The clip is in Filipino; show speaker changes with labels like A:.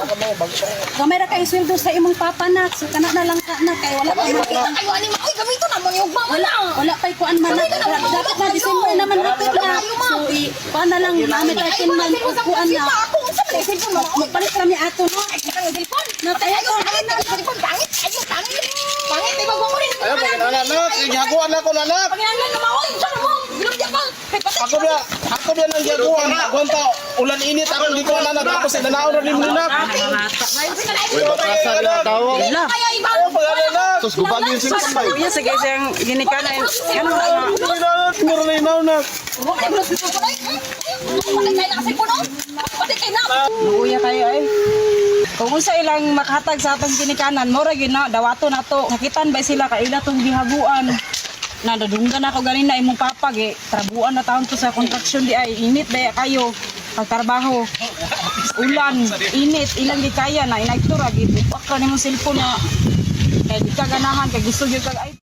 A: Gamay ra kay sweldo sa imong papa nak. So kana na lang ka na kay wala pa
B: Ayo ani ma, oy gamito na mo yung mama na.
A: wala pa kuan man nak. Dapat na December naman hapit na. So kuan na lang namin takin man kuan na.
B: Ako unsa man cellphone mo?
A: Magpalit kami ato no.
B: Ay, kang cellphone.
A: No tayo
B: Ayo, cellphone pangit. Ayo, pangit. Pangit, di ba mo rin?
C: Ayo, anak, gihaguan ako anak.
B: Pagyangan na mo, unsa mo? Bilog di pa.
C: Ako dia nang gihaguan. Gonta, ulan init ako dito na tapos inanaon ra din nina.
D: Uy, batasan na tawo.
B: Kaya iba.
C: Sus gubagin sila bay.
E: Iya sige siyang ginikanan. Ano
C: Mura na inaw na.
B: Mo ay bilog dito ko ay. Patay kay na cellphone no? Patay kay na.
E: luya kayo ay. Kung unsa ilang makahatag sa atong ginikanan, mo ra gyud na dawato nato. Sakitan ba sila kay ila tong gihaguan. Nadadunggan ako ganina imong papa gi trabuan na taon to sa construction di ay init daya kayo pagtrabaho. Ulan, init, ilang di kaya na inagtura gid. Pakra nimo cellphone na kay di ka ganahan kay gusto gyud kag ay